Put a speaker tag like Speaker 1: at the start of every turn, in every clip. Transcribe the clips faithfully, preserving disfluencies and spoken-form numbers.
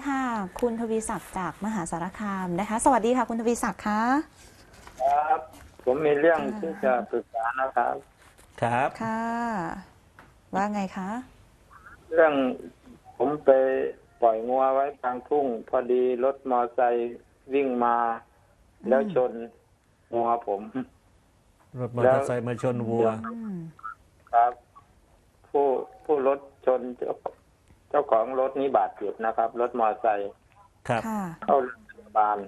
Speaker 1: ค่ะคุณทวีศักดิ์จากมหาสารคามนะคะสวัสดีค่ะคุณทวีศักดิ์คะ
Speaker 2: ครับผมมีเรื่อง
Speaker 1: ค่ะ
Speaker 2: ที่จะปรึกษานะครับ
Speaker 3: ครับ
Speaker 1: ค่ะว่าไงคะ
Speaker 2: เรื่องผมไปปล่อยงัวไว้กลางทุ่งพอดีรถมอไซค์วิ่งมาแล้วชนงัวผม
Speaker 3: รถมอเตอร์ไซค์มาชนวัว
Speaker 1: อืม
Speaker 2: ครับ ผู้ผู้รถชนเจ้าเจ้าของรถนี้บาดเจ็บนะครับรถมอไซค์
Speaker 3: ครับ
Speaker 1: ค่ะ
Speaker 2: เข้าโรงพยาบาล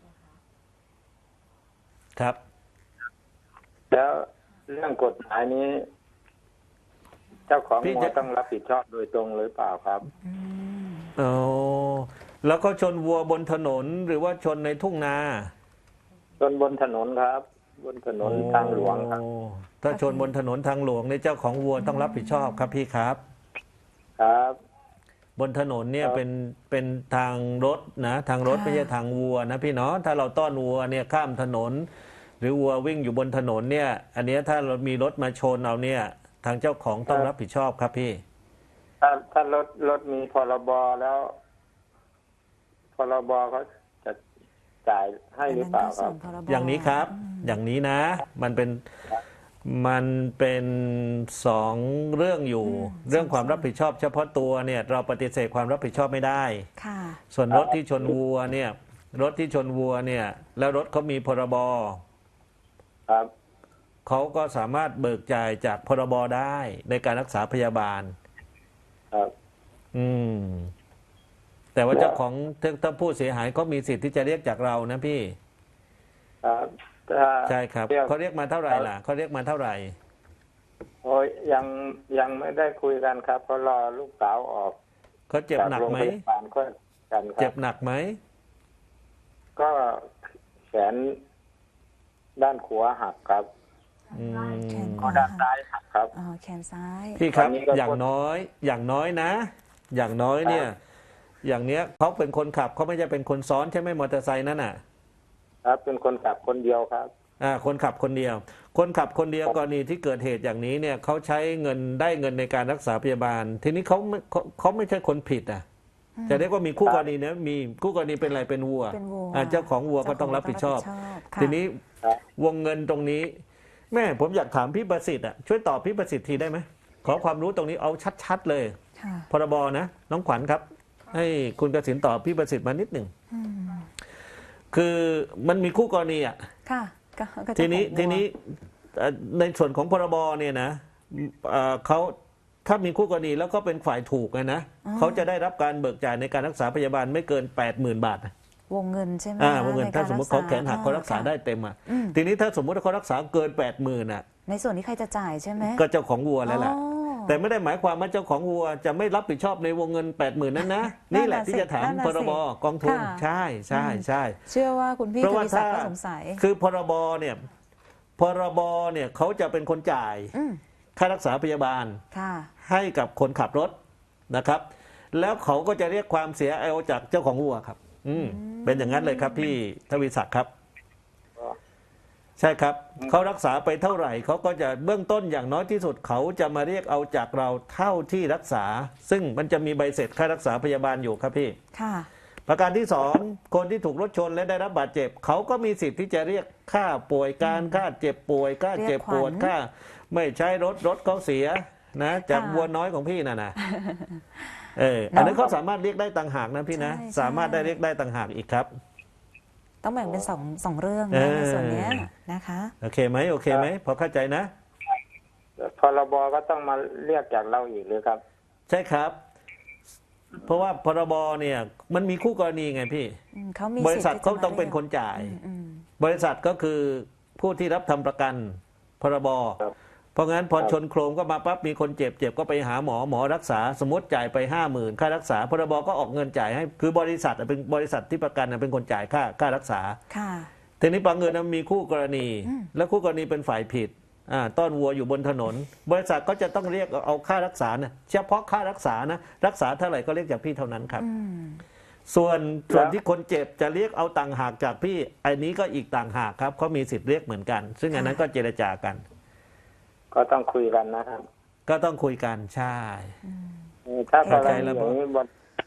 Speaker 3: ครับ
Speaker 2: แล้วเรื่องกฎหมายนี้ เจ้าของ
Speaker 3: พี่
Speaker 2: งัว
Speaker 3: จะ
Speaker 2: ต้องรับผิดชอบโดยตรงหรือเปล่าครับ
Speaker 1: อืม
Speaker 3: โอ้แล้วก็ชนวัวบนถนนหรือว่าชนในทุ่งนา
Speaker 2: ชนบนถนนครับ บนถนนทางหลวงครับ
Speaker 3: โอ้ถ้าชนบนถนนทางหลวงในยเจ้าของวัวต้องรับผิดชอบครับพี่ครับ
Speaker 2: ครับ
Speaker 3: บนถนนเนี่ย
Speaker 2: ครับ
Speaker 3: เป็นเป็นทางรถนะทางรถไม่ใช่ทางวัวนะพี่เนาะถ้าเราต้อนวัวเนี่ยข้ามถนน หรือวัววิ่งอยู่บนถนนเนี่ย อันเนี้ยถ้าเรามีรถมาชนเอาเนี่ย ทางเจ้าของต้องรับผิดชอบครับพี่
Speaker 2: ถ้าถ้ารถรถมีพรบแล้วพรบเขาจะจ่ายให้หรือเปล่าครับ
Speaker 1: อันนั้นก็ส่วนพรบ
Speaker 3: อย่างนี้ครับ อย่างนี้นะ มันเป็น มันเป็นสองเรื่องอยู่ เรื่องความรับผิดชอบเฉพาะตัวเนี่ย เราปฏิเสธความรับผิดชอบไม่ได้
Speaker 1: ค่ะ
Speaker 3: ส่วนรถที่ชนวัวเนี่ย รถที่ชนวัวเนี่ย แล้วรถเขามีพรบ
Speaker 2: ครับ
Speaker 3: เขาก็สามารถเบิกจ่ายจากพรบได้ในการรักษาพยาบาล
Speaker 2: ครับ
Speaker 3: อืม แต่ว่าเจ้าของถ้าถ้าผู้เสียหายเขามีสิทธิ์ที่จะเรียกจากเรานะพี่
Speaker 2: ครับถ้า
Speaker 3: ใช่ครับ
Speaker 2: เรียก
Speaker 3: เขาเรียกมาเท่าไหร่ล่ะเขาเรียกมาเท่าไหร่
Speaker 2: โอ้ยยังยังไม่ได้คุยกันครับเพราะรอลูกสาวออก
Speaker 3: เขาเจ็บ
Speaker 2: จาก
Speaker 3: หนัก
Speaker 2: โรง
Speaker 3: ไหม
Speaker 2: พยาบาลก็กันค
Speaker 3: เจ็
Speaker 2: รั
Speaker 3: บบ หนักไหม
Speaker 2: ก็แขนด้านขวาหักครับ
Speaker 3: อืม
Speaker 1: แขนข
Speaker 2: ก็
Speaker 1: วา
Speaker 2: ด้านซ้ายหักครับ
Speaker 1: อ๋อแขนซ้าย
Speaker 3: พี่ครับ
Speaker 2: ตอนนี้ก็
Speaker 3: อย่างน้อย อย่างน้อยนะ อย่างน้อยเนี่ย อย่างเนี้ยเขาเป็นคนขับเขาไม่ใช่เป็นคนซ้อนใช่ไหมมอเตอร์ไซค์นั่นน่ะ
Speaker 2: ครับเป็นคนขับคนเดียวครับ
Speaker 3: อ่าคนขับคนเดียว คนขับคนเดียวกรณีที่เกิดเหตุอย่างนี้เนี่ยเขาใช้เงินได้เงินในการรักษาพยาบาล ทีนี้เขาไม่เขาเขาไม่ใช่คนผิดอ่ะจะเรียกว่ามีคู่กรณีนะมีคู่กรณีเป็นอะไรเป็นวัว
Speaker 1: เป็นวัว
Speaker 3: อ่าเจ้าของวัวก็ต้องรับผิดชอบ
Speaker 1: ค่ะ
Speaker 3: ทีนี้
Speaker 2: ครับ
Speaker 3: วงเงินตรงนี้ แม่ผมอยากถามพี่ประสิทธิ์อ่ะช่วยตอบพี่ประสิทธิ์ทีได้ไหมขอความรู้ตรงนี้เอาชัดๆเลย
Speaker 1: ค่ะ
Speaker 3: พรบนะน้องขวัญครับ ให้คุณกสินตอบพี่ประสิทธิ์มานิดหนึ่ง
Speaker 1: อืม
Speaker 3: คือมันมีคู่กรณีอ่ะ
Speaker 1: ค่ะก็ก็จะ
Speaker 3: ทีนี้
Speaker 1: ของวัว
Speaker 3: ทีนี้เอ่อในส่วนของพรบเนี่ยนะเอ่อเขาถ้ามีคู่กรณีแล้วก็เป็นฝ่ายถูกไงนะเขาจะได้รับการเบิกจ่ายในการรักษาพยาบาลไม่เกินแปดหมื่นบาทนะ
Speaker 1: วงเงินใช่ไหม
Speaker 3: อ่า
Speaker 1: คะ
Speaker 3: วงเงิน
Speaker 1: ใน
Speaker 3: ถ้าก
Speaker 1: ร
Speaker 3: สมมติ
Speaker 1: รั
Speaker 3: เขา
Speaker 1: ษ
Speaker 3: แขนหักเขารักษา
Speaker 1: ค่ะ
Speaker 3: ได้เต็มอ่ะ
Speaker 1: อืม
Speaker 3: ทีนี้ถ้าสมมติว่าเขารักษาเกินแปดหมื่นอ่ะ
Speaker 1: ในส่วนนี้ใครจะจ่ายใช่ไหม
Speaker 3: ก็เจ้าของวัวแล้วแหละ
Speaker 1: อ๋อ
Speaker 3: แต่ไม่ได้หมายความว่าเจ้าของวัวจะไม่รับผิดชอบในวงเงินแปดหมื่นนั้นนะ
Speaker 1: นั่
Speaker 3: นี่
Speaker 1: น
Speaker 3: แห
Speaker 1: น่ะ
Speaker 3: ละที่
Speaker 1: สิ
Speaker 3: จะถาม
Speaker 1: นั่นน่ะ
Speaker 3: พรบ
Speaker 1: สิ
Speaker 3: กองทุน
Speaker 1: ค่ะ
Speaker 3: ใช่ใช่ใช่
Speaker 1: เชื่อว่าคุณพี่
Speaker 3: เพราะ
Speaker 1: ท
Speaker 3: ว่า
Speaker 1: วีศัก
Speaker 3: ถ้า
Speaker 1: ดิ์ก็สงสัย
Speaker 3: คือพรบเนี่ยพรบเนี่ยเขาจะเป็นคนจ่าย
Speaker 1: อืม
Speaker 3: ค่ารักษาพยาบาล
Speaker 1: ค่ะ
Speaker 3: ให้กับคนขับรถนะครับ แล้วเขาก็จะเรียกความเสียเอาจากเจ้าของวัวครับ อืมเป็นอย่างนั้นเลยครับพี่ทวีศักดิ์ครับ ใช่ครับเขารักษาไปเท่าไหร่เขาก็จะเบื้องต้นอย่างน้อยที่สุดเขาจะมาเรียกเอาจากเราเท่าที่รักษา ซึ่งมันจะมีใบเสร็จค่ารักษาพยาบาลอยู่ครับพี่
Speaker 1: ค่ะ
Speaker 3: ประการที่สองคนที่ถูกรถชนและได้รับบาดเจ็บเขาก็มีสิทธิ์ที่จะเรียกค่าป่วยการค่าเจ็บป่วยค่าเจ็บปวด
Speaker 1: เรียกขวัญ
Speaker 3: ค่าไม่ใช้รถรถเขาเสียนะจาก
Speaker 1: ค่ะ
Speaker 3: วัวน้อยของพี่น่ะนะเอออันนั้นเขาสามารถเรียกได้ต่างหากนะพี่นะ
Speaker 1: ใช่ใช่
Speaker 3: สามารถได้เรียกได้ต่างหากอีกครับ
Speaker 1: ต้องแบ่งเป็นสองสองเรื่อง
Speaker 3: เอ
Speaker 1: นะ
Speaker 3: อ
Speaker 1: ในส่วนเนี้ยนะคะ
Speaker 3: โอเคไหมโอเคไหมพอเข้าใจนะ
Speaker 2: พรบก็ต้องมาเรียกจากเราอีกหรือครับ
Speaker 3: ใช่ครับ เพราะว่าพรบเนี่ยมันมีคู่กรณีไงพี่
Speaker 1: อืมเขามี
Speaker 3: บริษัท
Speaker 1: สิทธิ์
Speaker 3: เขา
Speaker 1: ที่จะ
Speaker 3: ต้องเป็น
Speaker 1: มรียก
Speaker 3: คนจ่าย
Speaker 1: อืมอืม
Speaker 3: บริษัทก็คือผู้ที่รับทำประกันพรบ
Speaker 2: ครับ
Speaker 3: เพราะงั้นพอ
Speaker 2: ครับ
Speaker 3: ชนโครมก็มาปั๊บมีคนเจ็บเจ็บก็ไปหาหมอหมอรักษาสมมติจ่ายไปห้าหมื่นค่ารักษาพรบก็ออกเงินจ่ายให้คือบริษัทอะเป็นบริษัทที่ประกันอะเป็นคนจ่ายค่าค่ารักษา
Speaker 1: ค่ะ
Speaker 3: ทีนี้บางเงินนะมีคู่กรณี
Speaker 1: อืม
Speaker 3: และคู่กรณีเป็นฝ่ายผิดอ่าต้อนวัวอยู่บนถนน บริษัทก็จะต้องเรียกเอาค่ารักษานะเฉพาะค่ารักษานะรักษาเท่าไหร่ก็เรียกจากพี่เท่านั้นครับ
Speaker 1: อืม
Speaker 3: ส่วนส่วนที่คนเจ็บจะเรียกเอาต่างหากจากพี่อันนี้ก็อีกต่างหากครับเขามีสิทธิ์เรียกเหมือนกัน ซึ่งอันนั้นก็เจรจากัน
Speaker 2: ก็ต้องคุยกันนะครับ
Speaker 3: ก็ต้องคุยกันใช่
Speaker 2: เออถ้ากร
Speaker 3: เข้าใจ
Speaker 2: ณี
Speaker 3: แล้ว
Speaker 2: อย่างนี้บ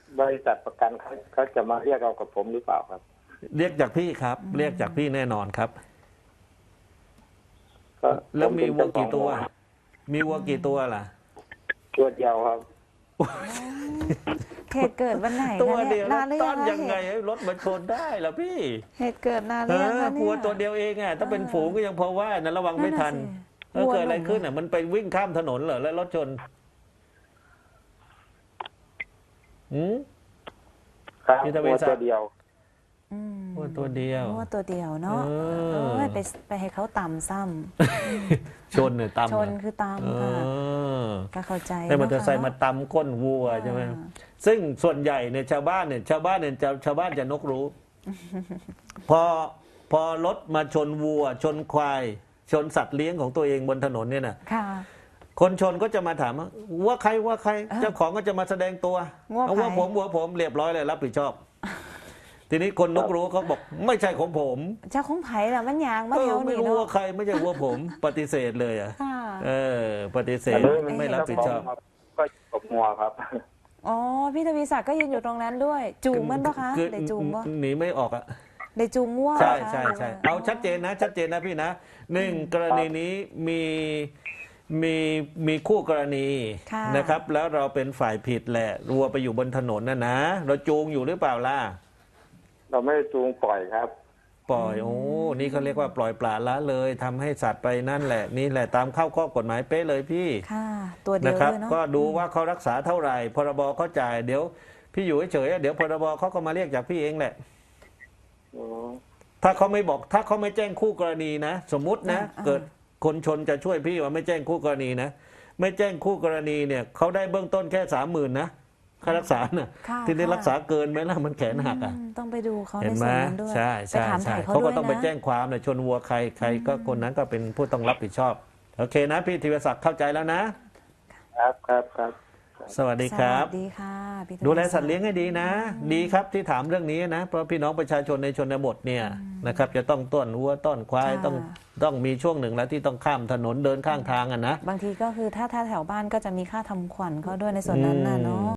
Speaker 2: บริษัทประกันเขาเขาจะมาเรียกเอากับผมหรือเปล่าครับ
Speaker 3: เรียกจากพี่ครับ เรียกจากพี่แน่นอนครับ
Speaker 2: ก็
Speaker 3: แล้วมี
Speaker 2: ผ
Speaker 3: วัว
Speaker 2: เป็น
Speaker 3: กี่ตัว
Speaker 2: เจ้าของ
Speaker 3: มีวัวกี่ตัวล่ะ
Speaker 2: ตัวเดียวครับ
Speaker 1: เหตุเกิดวันไหน
Speaker 3: ตัว
Speaker 1: คะ
Speaker 3: เดี
Speaker 1: เนี่ย
Speaker 3: วย
Speaker 1: นานหรือ
Speaker 3: ต้
Speaker 1: ยั
Speaker 3: อน
Speaker 1: งคะ
Speaker 3: ยังไง
Speaker 1: เหตุ
Speaker 3: ให้รถมาชนได้ล่ะพี่
Speaker 1: เหตุเกิดนานห
Speaker 3: เอ
Speaker 1: รือยัง
Speaker 3: อ
Speaker 1: คะเนี่ย
Speaker 3: วัวตัวเดียวเองอ่ะถ้าเป็นฝูงก็ยังพอว่านะระวังไม่ทัน
Speaker 1: นั่
Speaker 3: เอน อ
Speaker 1: น่ะสิ
Speaker 3: เกิดอะไร
Speaker 1: วัวหนุ่ม
Speaker 3: ขึ้นอ่ะมันไปวิ่งข้ามถนนเหรอแล้วรถชนหืม
Speaker 2: ครับ
Speaker 3: มีทะเบี
Speaker 2: ตั
Speaker 3: ย
Speaker 2: วน
Speaker 3: สัตว์
Speaker 2: ตัวเดียว
Speaker 1: อืม
Speaker 3: วัวตัวเดียว
Speaker 1: วัวตัวเดียวเนาะ
Speaker 3: เออ
Speaker 1: เอ้ยไปไปให้เขาตำซ้
Speaker 3: ชนเนี่ยตำ
Speaker 1: ำชนคือ
Speaker 3: เอ
Speaker 1: ตำค่ะ
Speaker 3: อ
Speaker 1: ก็เข้าใจ
Speaker 3: ให้มอเตอร์ไซค์
Speaker 1: เนะ
Speaker 3: มาตำก้นวัวใช่ไหม
Speaker 1: อ่า
Speaker 3: ซึ่งส่วนใหญ่เนี่ยชาวบ้านเนี่ยชาวบ้านเนี่ยจะชาวบ้านจะนกรู้ พอพอรถมาชนวัว ชนควาย ชนสัตว์เลี้ยงของตัวเองบนถนนเนี่ยนะ
Speaker 1: ค่ะ
Speaker 3: คนชนก็จะมาถามว่าว่าใครว่าใคร
Speaker 1: เออ
Speaker 3: เจ้าของก็จะมาแสดงตัว
Speaker 1: ว่า
Speaker 3: เอาว่า
Speaker 1: ใคร
Speaker 3: ผมว่าผมเรียบร้อยเลยรับผิดชอบ ทีนี้คนนกรู้เขาบอกไม่ใช่ของผม
Speaker 1: เจ้าของไผ่ละมันยางมา
Speaker 3: เอ
Speaker 1: แถ
Speaker 3: อ
Speaker 1: ว
Speaker 3: ไม่
Speaker 1: นี้
Speaker 3: รู้
Speaker 1: เนาะ
Speaker 3: ว่าใครไม่ใช่ว่าผม ปฏิเสธเลยอ่ะ
Speaker 1: ค่ะ
Speaker 3: เออ ปฏิเส
Speaker 2: อั
Speaker 3: ธ
Speaker 2: นนี้มัน
Speaker 3: ไม่รับผิดชอบ
Speaker 2: เจ้าของก็กบงัวครับ
Speaker 1: อ๋อพี่ทวีศักดิ์ก็ยืนอยู่ตรงนั้นด้วย จูงมันปะคะ
Speaker 3: คือ
Speaker 1: ได้จูงปะ
Speaker 3: หนีไม่ออกอ่ะ
Speaker 1: ได้จูงง่วง
Speaker 3: ใช่
Speaker 1: ปะคะ
Speaker 3: ใช่ใช่
Speaker 1: หรืว่
Speaker 3: เอาชัดเจนนะ ชัดเจนนะพี่นะหนึ่งกรณีนี้มีมีมีคู่กรณี
Speaker 1: ค่ะ
Speaker 3: นะครับ แล้วเราเป็นฝ่ายผิดแหละรัวไปอยู่บนถนนนะนะเราจูงอยู่หรือเปล่าล่ะ
Speaker 2: เราไม่ได้จูงปล่อยครับ
Speaker 3: ปล่อยโอ้นี่เขาเรียกว่าปล่อยปละละเลยทำให้สัตว์ไปนั่นแหละ นี่แหละตามเข้าข้อกฎหมายเป๊ะเลยพี่
Speaker 1: ค่ะ ตัวเดี
Speaker 3: นะ
Speaker 1: ยว
Speaker 3: ครับ
Speaker 1: ด้วยเนาะ
Speaker 3: ก็ดูว่าเขารักษาเท่าไหร่พรบเขาจ่ายเดี๋ยวพี่อยู่เฉยๆเดี๋ยวพรบเขาก็มาเรียกจากพี่เองแหละ
Speaker 2: อ๋อ
Speaker 3: ถ้าเขาไม่บอกถ้าเขาไม่แจ้งคู่กรณีนะ สมมุตินะ
Speaker 1: อ่า
Speaker 3: เกิดคนชนจะช่วยพี่ว่าไม่แจ้งคู่กรณีนะไม่แจ้งคู่กรณีเนี่ยเขาได้เบื้องต้นแค่สามหมื่นนะค่ารักษาน่ะ
Speaker 1: ค่ะ
Speaker 3: ที่ได้
Speaker 1: ค่ะ
Speaker 3: รักษาเกินไหมล่ะมันแขนหักอ่ะ
Speaker 1: อืมต้องไปดูเขา
Speaker 3: เห็
Speaker 1: ใน
Speaker 3: นไหม
Speaker 1: ส่วนนั้นด้วย
Speaker 3: ใช่
Speaker 1: ไป
Speaker 3: ใช่
Speaker 1: ถาม
Speaker 3: ใช่
Speaker 1: ถ่ายเขา
Speaker 3: เขาก็
Speaker 1: ด้วย
Speaker 3: ต้องไป
Speaker 1: นะ
Speaker 3: แจ้งความเลยชนวัวใครใครก็คนนั้นก็เป็นผู้ต้องรับผิดชอบโอเคนะพี่ธีรศักดิ์เข้าใจแล้วนะ
Speaker 2: ครับครับครับ
Speaker 3: สวัสดีครับ
Speaker 1: สวัสดีค่ะพี่ทวี
Speaker 3: ดูแลสัตว์เลี้ยงให้ดีนะ ดีครับที่ถามเรื่องนี้นะ เพราะพี่น้องประชาชนในชนบทเนี่ยนะครับ จะต้องต้อนวัวต้อนควายต้องต้องมีช่วงหนึ่งแล้วที่ต้องข้ามถนนเดินข้างทางอ่ะนะ
Speaker 1: บางทีก็คือถ้าถ้าแถวบ้านก็จะมีค่าทำขวัญเขาด้วยในส่วนนั้นน่ะเนาะ